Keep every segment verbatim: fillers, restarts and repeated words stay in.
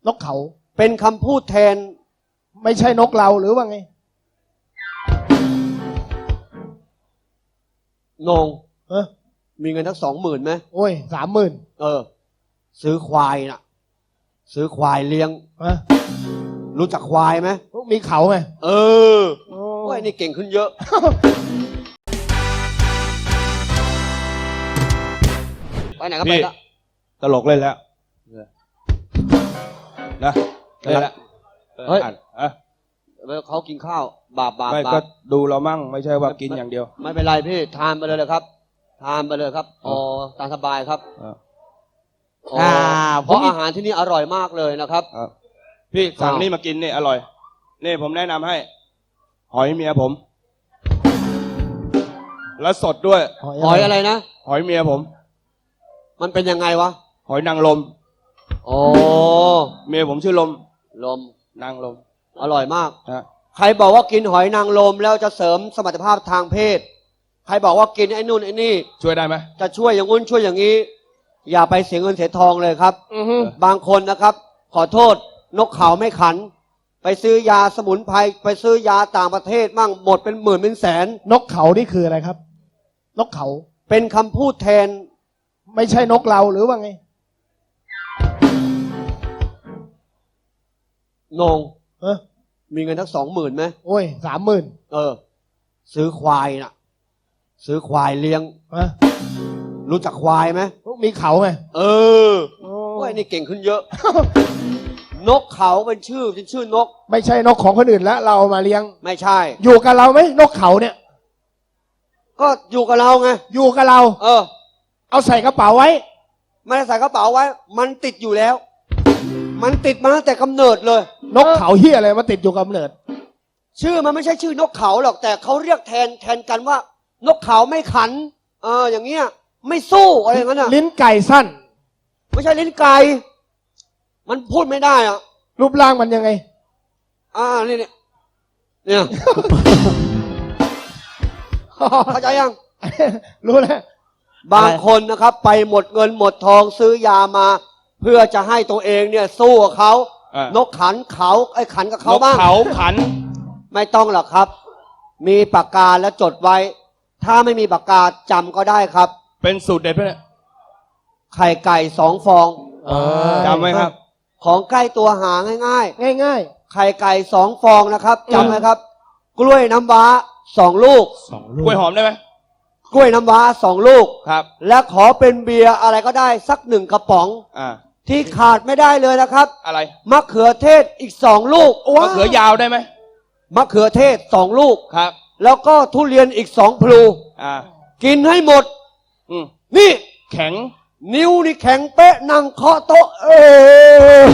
นกเขาเป็นคำพูดแทนไม่ใช่นกเราหรือว่าไงนงเออมีเงินทั้งสองหมื่นไหมโอ้ยสามหมื่นเออซื้อควายน่ะซื้อควายเลี้ยงอะรู้จักควายไหมมีเขาไงเออโอ้ยนี่เก่งขึ้นเยอะไปไหนก็ไปละตลกเล่นแล้วนะเล่นแล้วเฮ้ยเขากินข้าวบาปบาปไม่ก็ดูเรามั่งไม่ใช่ว่ากินอย่างเดียวไม่เป็นไรพี่ทานไปเลยเลยครับทานไปเลยครับอ๋อตามสบายครับอ่าเพราะอาหารที่นี่อร่อยมากเลยนะครับพี่สั่งนี่มากินนี่อร่อยนี่ผมแนะนำให้หอยเมียผมแล้วสดด้วยหอยอะไรนะหอยเมียผมมันเป็นยังไงวะหอยนางรมอ๋อเมียผมชื่อลมลมนางรมอร่อยมากใครบอกว่ากินหอยนางรมแล้วจะเสริมสมรรถภาพทางเพศใครบอกว่ากินไอ้นู่นไอ้นี่ช่วยได้ไหมจะช่วยอย่างงู้นช่วยอย่างนี้อย่าไปเสียเงินเสียทองเลยครับบางคนนะครับขอโทษนกเขาไม่ขันไปซื้อยาสมุนไพรไปซื้อยาต่างประเทศมั่งหมดเป็นหมื่นเป็นแสนนกเขานี่คืออะไรครับนกเขาเป็นคำพูดแทนไม่ใช่นกเราหรือว่าไงนงเออมีเงินทั้งสองหมื่นไหมโอ้ยสามหมื่นเออซื้อควายน่ะซื้อควายเลี้ยงอะรู้จักควายไหมมีเขาไงเออโอ้ยนี่เก่งขึ้นเยอะ นกเขาเป็นชื่อเป็นชื่อนกไม่ใช่นกของคนอื่นแล้วเรามาเลี้ยงไม่ใช่อยู่กับเราไหมนกเขาเนี่ยก็อยู่กับเราไงอยู่กับเราเออเอาใส่กระเป๋าไว้ไม่ได้ใส่กระเป๋าไว้มันติดอยู่แล้วมันติดมาตั้งแต่กำเนิดเลยนกเขาเหี้ยอะไรมาติดอยู่กำเนิดชื่อมันไม่ใช่ชื่อนกเขาหรอกแต่เขาเรียกแทนแทนกันว่านกเขาไม่ขันเอออย่างเงี้ยไม่สู้อะไรอย่างนั้นอ่ะลิ้นไก่สั้นไม่ใช่ลิ้นไก่มันพูดไม่ได้อ่ะรูปร่างมันยังไงอ่านี่เนี่ยเนี่ยเข้าใจยังรู้แล้วบางคนนะครับไปหมดเงินหมดทองซื้อยามาเพื่อจะให้ตัวเองเนี่ยสู้กับเขานกขันเขาไอ้ขันกับเขาบ้างนกเขาขันไม่ต้องหรอกครับมีปากกาแล้วจดไว้ถ้าไม่มีปากกาจำก็ได้ครับเป็นสูตรเด็ดไหมเนี่ยไข่ไก่สองฟองจำไหมครับของใกล้ตัวหาง่ายๆง่ายๆไข่ไก่สองฟองนะครับจำไหมครับกล้วยน้ำว้าสองลูกกล้วยหอมได้ไหมกล้วยน้ำว้าสองลูกครับและขอเป็นเบียร์อะไรก็ได้สักหนึ่งกระป๋องอ่าที่ขาดไม่ได้เลยนะครับอะไรมะเขือเทศอีกสองลูกมะเขือยาวได้ไหมมะเขือเทศสองลูกครับแล้วก็ทุเรียนอีกสองพลูอ่ากินให้หมดอืมนี่แข็งนิ้วนี่แข็งเป๊ะนั่งเคาะโต๊ะเออ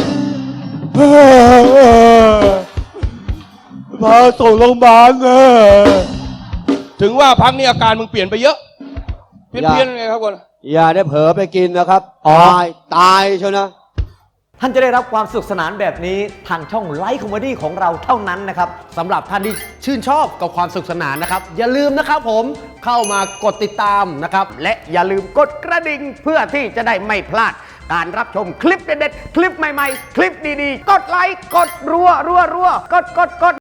มาส่งโรงพยาบาลเออถึงว่าพักนี้อาการมึงเปลี่ยนไปเยอะเพี้ยนเพี้ยนไงครับคนอย่าได้เผลอไปกินนะครับตายตายเชียวนะท่านจะได้รับความสนุกสนานแบบนี้ทางช่องไลฟ์คอมเมดี้ของเราเท่านั้นนะครับสำหรับท่านที่ชื่นชอบกับความสนุกสนานนะครับอย่าลืมนะครับผมเข้ามากดติดตามนะครับและอย่าลืมกดกระดิ่งเพื่อที่จะได้ไม่พลาดการรับชมคลิปเด็ดๆคลิปใหม่ๆคลิปดีๆกดไลค์กดรัวรัวรัวกดกดกด